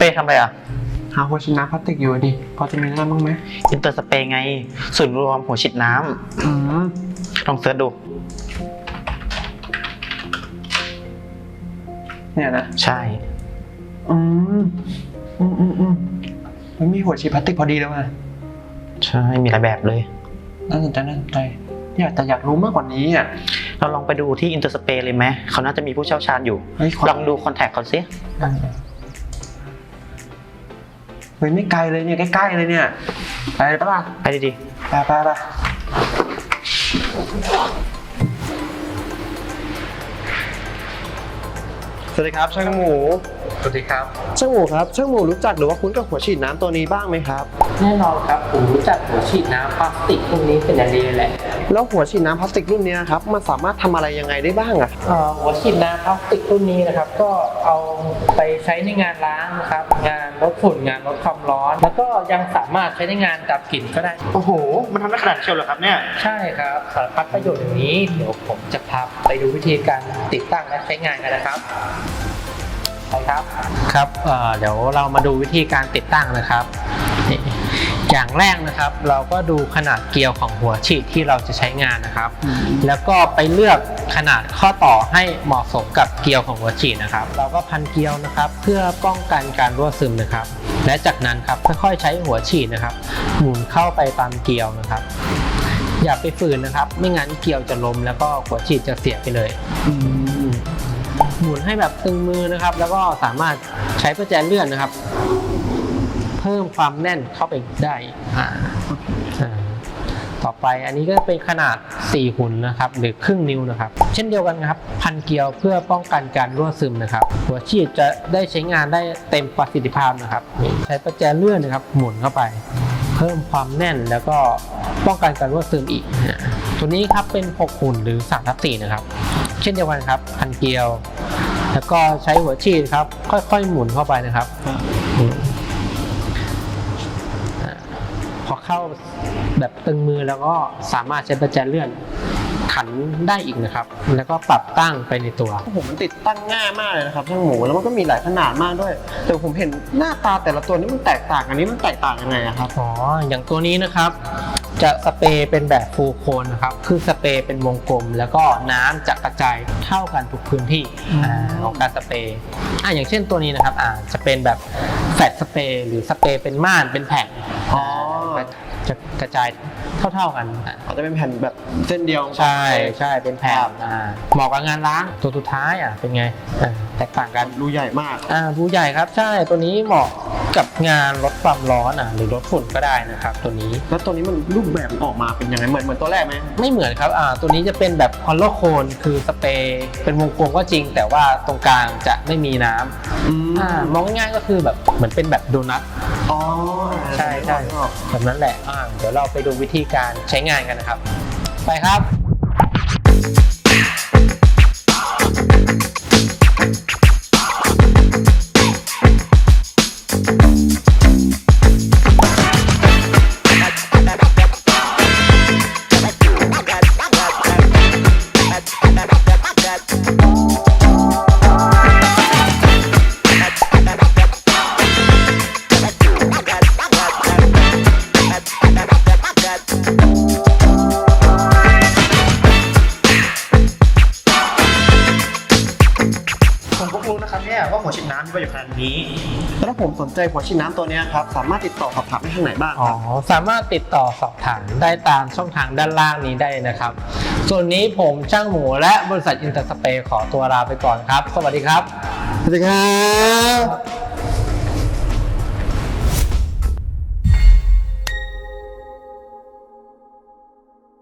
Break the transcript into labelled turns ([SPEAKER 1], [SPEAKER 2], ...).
[SPEAKER 1] รย์ทำอะไรอ่ะ
[SPEAKER 2] หาหัวฉีดน้ำพลาสติกอยู่ดิพอจะมีน้ำบ้างไหม
[SPEAKER 1] อินเตอร์สเปรย์ไงศูนย์รวมหัวฉีดน้ำลองเสิร์ชดู
[SPEAKER 2] เนี่ยนะ
[SPEAKER 1] ใช่
[SPEAKER 2] มันมีหัวฉีดพลาสติกพอดีแล้วอ่ะ
[SPEAKER 1] ใช่มีหลายแบบเลย
[SPEAKER 2] น่าสนใจอยากรู้มากกว่านี้อ่ะ
[SPEAKER 1] เราลองไปดูที่อินเตอร์สเปรย์เลยไหมเขาน่าจะมีผู้เชี่ยวชาญอยู่ลองดูคอนแทคเขาสิ
[SPEAKER 2] เฮ้ยไม่ไกลเลยเนี่ยใกล้ๆเลยเนี่ยไปปะล่ะ
[SPEAKER 1] ไปดี
[SPEAKER 2] ไปสวัสดีครับช่างหมู
[SPEAKER 1] สวัสดีครับ
[SPEAKER 2] ช่างหมูครับช่างหมูรู้จักหรือว่าคุ้นกับหัวฉีดน้ำตัวนี้บ้างไหมครับ
[SPEAKER 3] แน่นอนครับผมรู้จักหัวฉีดน้ำพลาสติกรุ่นนี้เป็นอย่างดีเลยแหละ
[SPEAKER 2] แล้วหัวฉีดน้ำพลาสติกรุ่นนี้ครับมันสามารถทำอะไรยังไงได้บ้างอ่ะ
[SPEAKER 3] หัวฉีดน้ำพลาสติกรุ่นนี้นะครับก็เอาไปใช้ในงานล้างนะครับงานลดฝุ่นงานลดความร้อนแล้วก็ยังสามารถใช้ในงานดับกลิ่นก็ได้
[SPEAKER 1] โอ้โหมันทำได้ขนาดเชียวเหรอครับเนี่ย
[SPEAKER 3] ใช่ครับสารพัดประโยชน์อย่างนี้เดี๋ยวผมจะพาไปดูวิธีการติดตั้งและใช้งานกันนะครับครับเดี๋ยวเรามาดูวิธีการติดตั้งนะครับอย่างแรกนะครับเราก็ดูขนาดเกลียวของหัวฉีดที่เราจะใช้งานนะครับแล้วก็ไปเลือกขนาดข้อต่อให้เหมาะสมกับเกลียวของหัวฉีดนะครับเราก็พันเกลียวนะครับเพื่อป้องกันการรั่วซึมนะครับและจากนั้นครับค่อยๆใช้หัวฉีดนะครับหมุนเข้าไปตามเกลียวนะครับอย่าไปฝืนนะครับไม่งั้นเกลียวจะล้มแล้วก็หัวฉีดจะเสียไปเลยหมุนให้แบบตึงมือนะครับแล้วก็สามารถใช้ประแจเลื่อนนะครับเพิ่มความแน่นเข้าไปได้ต่อไปอันนี้ก็เป็นขนาด4หุ่นนะครับหรือครึ่งนิ้วนะครับเช่นเดียวกันครับพันเกลียวเพื่อป้องกันการรั่วซึมนะครับหัวฉีดจะได้ใช้งานได้เต็มประสิทธิภาพนะครับใช้ประแจเลื่อนนะครับหมุนเข้าไปเพิ่มความแน่นแล้วก็ป้องกันการรั่วซึมอีกตัวนี้ครับเป็น6หุ่นหรือ3/4นะครับเช่นเดียวกันครับพันเกลียวแล้วก็ใช้หัวฉีดครับค่อยๆหมุนเข้าไปนะครับพอเข้าแบบตึงมือแล้วก็สามารถใช้ประแจเลื่อนขันได้อีกนะครับแล้วก็ปรับตั้งไปในตัว
[SPEAKER 2] ผมมันติดตั้งง่ายมากเลยนะครับช่างหมูแล้วมันก็มีหลายขนาดมากด้วยแต่ผมเห็นหน้าตาแต่ละตัวนี้มันแตกต่างอันนี้มันแตกต่างยังไงครับ
[SPEAKER 3] อย่างตัวนี้นะครับจะสเปรย์เป็นแบบฟูลโคนนะครับคือสเปรย์เป็นวงกลมแล้วก็น้ำจะกระจายเท่ากันทุกพื้นที่ของการสเปรย์อย่างเช่นตัวนี้นะครับจะเป็นแบบแฟลตสเปรย์หรือสเปรย์เป็นม่านเป็นแผ่นจะกระจายเท่ากัน
[SPEAKER 2] อาจจะเป็นแผ่นแบบเส้นเดียว
[SPEAKER 3] ใช่เป็นแผ่นเหมาะกับงานล้างตัวสุดท้ายเป็นไงแตกต่างกัน
[SPEAKER 2] รูใหญ่มาก
[SPEAKER 3] รูใหญ่ครับใช่ตัวนี้เหมาะกับงานลดความร้อนหรือลดฝุ่นก็ได้นะครับตัวนี้
[SPEAKER 2] แล้วตัวนี้มันรูปแบบออกมาเป็นยังไงเหมือนตัวแรกไหม
[SPEAKER 3] ไม่เหมือนครับตัวนี้จะเป็นแบบฮอลโลโคนคือสเปรย์เป็นวงกลมก็จริงแต่ว่าตรงกลางจะไม่มีน้ำมองง่ายๆก็คือแบบเหมือนเป็นแบบโดนัทใช่แบบนั้นแหละเดี๋ยวเราไปดูวิธีการใช้งานกันนะครับไปครับ
[SPEAKER 1] ว่าหัวฉีดน้ำมีประโยชน์ขนาดนี้
[SPEAKER 2] แล้วถ้าผมสนใจหัวฉีดน้ำตัวนี้ครับสามารถติดต่อสอบถามได้ทางไหนบ้าง
[SPEAKER 3] สามารถติดต่อสอบถามได้ตามช่องทางด้านล่างนี้ได้นะครับส่วนนี้ผมช่างหมูและบริษัทอินเตอร์สเปรย์ขอตัวลาไปก่อนครับสวัสดีครับ
[SPEAKER 2] สวัสดีครับ